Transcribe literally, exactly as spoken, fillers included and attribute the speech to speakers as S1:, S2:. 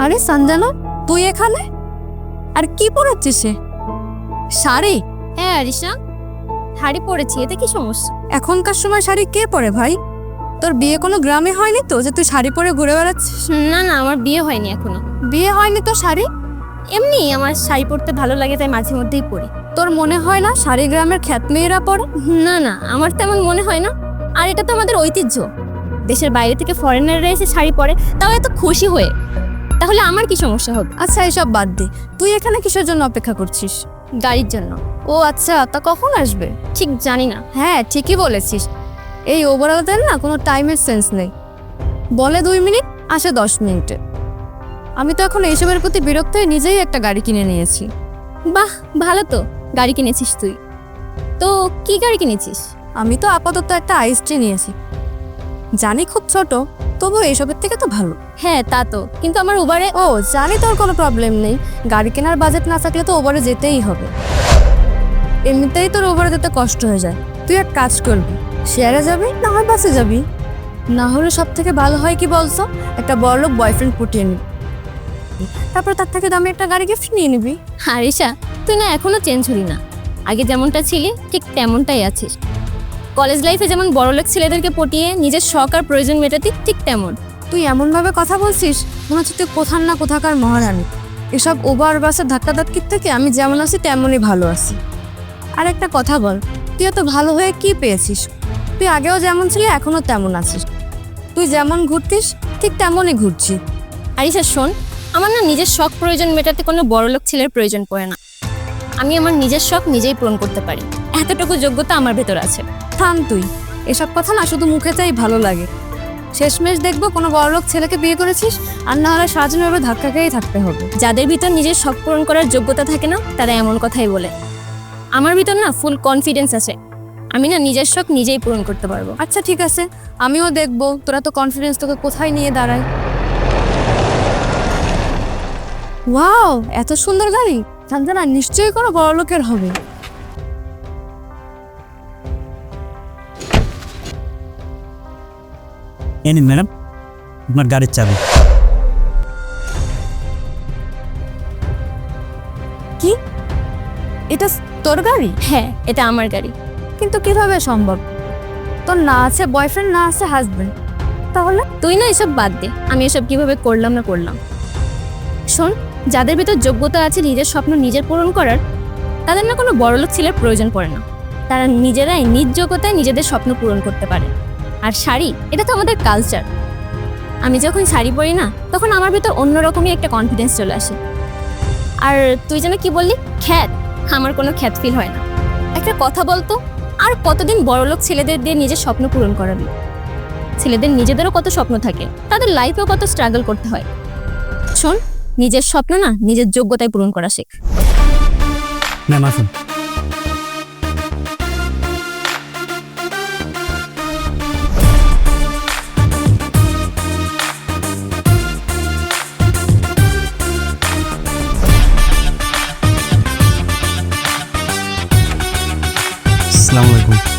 S1: আরে সঞ্জনা, তুই এখানে? আর কি পরেছিস? শাড়ি?
S2: হ্যাঁ আরিশা, শাড়ি পরেছি, এতে কি সমস্যা?
S1: এখনকার সময় শাড়ি কে পরে ভাই? তোর বিয়ে কোনো গ্রামে হয়নি তো যে তুই শাড়ি পরে ঘুরে বেড়াচ্ছিস?
S2: না না, আমার বিয়ে হয়নি এখনো।
S1: বিয়ে হয়নি তো শাড়ি?
S2: এমনি আমার শাড়ি পরতে ভালো লাগে, তাই মাঝে মধ্যেই পরি।
S1: তোর মনে হয় না শাড়ি গ্রামের খ্যাত মেয়েরা পরে?
S2: না না, আমার তেমন মনে হয় না। আর এটা তো আমাদের ঐতিহ্য। দেশের বাইরে থেকে ফরেনাররা এসে শাড়ি পরে, তাও এত খুশি হয়ে। তাহলে আমার কি সমস্যা হবে?
S1: আচ্ছা এসব বাদ দে, তুই এখানে কিসের জন্য অপেক্ষা করছিস?
S2: গাড়ির জন্য।
S1: ও আচ্ছা, তা কখন আসবে?
S2: ঠিক জানি না।
S1: হ্যাঁ ঠিকই বলেছিস, এই ওভারঅলদের না কোনো টাইমের সেন্স নেই। বলে দুই মিনিট, আসে দশ মিনিটে। আমি তো এখন এইসবের প্রতি বিরক্ত হয়ে নিজেই একটা গাড়ি কিনে নিয়েছি।
S2: বাহ, ভালো তো, গাড়ি কিনেছিস তুই। তো কি গাড়ি কিনেছিস?
S1: আমি তো আপাতত একটা আইসটি নিয়েছি, জানি খুব ছোট, তবু এইসবের থেকে তো ভালো।
S2: হ্যাঁ তা তো, কিন্তু আমার উবারে।
S1: ও জানি, তোর কোনো প্রবলেম নেই, গাড়ি কেনার বাজেট না থাকলে তো ওভারে যেতেই হবে। এমনিতেই তোর ওভারে যেতে কষ্ট হয়ে যায়। তুই এক কাজ করবি, শেয়ারে যাবি না হয় বাসে যাবি। না হলে সব থেকে ভালো হয় কি বলছো, একটা বড়লোক বয়ফ্রেন্ড পটিয়ে নিবি, তারপর তার থেকে দামি একটা গাড়ি গিফট নিয়ে নিবি।
S2: আরিশা, তুই না এখনো চেঞ্জ হলি না। আগে যেমনটা ছিলি ঠিক তেমনটাই আছিস। কলেজ লাইফে যেমন বড়লোক ছেলেদেরকে পটিয়ে নিজের শখ আর প্রয়োজন মেটাতি, ঠিক তেমন।
S1: তুই এমনভাবে কথা বলছিস মনে হচ্ছে তুই কোথার না কোথাকার মহারানী। এসব ওভার বাসের ধাক্কাধাক্কির থেকে আমি যেমন আছি তেমনই ভালো আছি। আর একটা কথা বল, তুই এত ভালো হয়ে কি পেয়েছিস? তুই আগেও যেমন ছিলি এখনও তেমন আছিস, তুই যেমন ঘুরতিস ঠিক তেমনই ঘুরছিস।
S2: আরিশা শোন, আমার না নিজের শখ প্রয়োজন মেটাতে কোনো বড়লোক ছেলের প্রয়োজন পড়ে না। আমি আমার নিজের শখ নিজেই পূরণ করতে পারি, এতটুকু যোগ্যতা আমার ভেতর আছে।
S1: থাম তুই, এসব কথা না শুধু মুখে চাই ভালো লাগে। শেষমেশ দেখবো কোনো বড়লোক ছেলেকে বিয়ে করেছিস, আর না হলে সারাজনভাবে ধাক্কা খেয়েই থাকতে হবে।
S2: যাদের ভিতর নিজের শখ পূরণ করার যোগ্যতা থাকে না, তারা এমন কথাই বলে। আমার ভিতর না ফুল কনফিডেন্স আছে, আমি না নিজের শখ নিজেই পূরণ করতে পারবো।
S1: আচ্ছা ঠিক আছে, আমিও দেখবো তোরা তো কনফিডেন্স তোকে কোথায় নিয়ে দাঁড়ায়। ওয়াও, এত সুন্দর গাড়ি! সঞ্জনা নিশ্চয়ই কোনো বড়লোকের হবে।
S3: এই নিন ম্যাডাম, আপনার গাড়ির চাবি।
S1: কি, এটা তোর গাড়ি?
S2: হ্যাঁ, এটা আমার গাড়ি।
S1: কিন্তু কিভাবে সম্ভব? তোর না আছে বয়ফ্রেন্ড, না আছে হাজবেন্ড, তাহলে?
S2: তুই না এসব বাদ দে, আমি এসব কিভাবে করলাম না করলাম। শোন, যাদের ভিতর যোগ্যতা আছে নিজের স্বপ্ন নিজের পূরণ করার, তাদের না কোনো বড়লোক ছেলের প্রয়োজন পড়ে না। তারা নিজেরাই নিজ যোগ্যতায় নিজেদের স্বপ্ন পূরণ করতে পারে। আর শাড়ি, এটা তো আমাদের কালচার। আমি যখন শাড়ি পরি না, তখন আমার ভিতর অন্যরকমই একটা কনফিডেন্স চলে আসে। আর তুই যেন কি বললি, খ্যাত? আমার কোনো খ্যাত ফিল হয় না। একটা কথা বলতো, আর কতদিন বড়লোক ছেলেদের দিয়ে নিজের স্বপ্ন পূরণ করাবি? ছেলেদের নিজেদেরও কত স্বপ্ন থাকে, তাদের লাইফেও কত স্ট্রাগল করতে হয়। শোন, নিজের স্বপ্ন না নিজের যোগ্যতায় পূরণ করা শেখ।
S3: ম্যাম আসুন। আসসালামু আলাইকুম।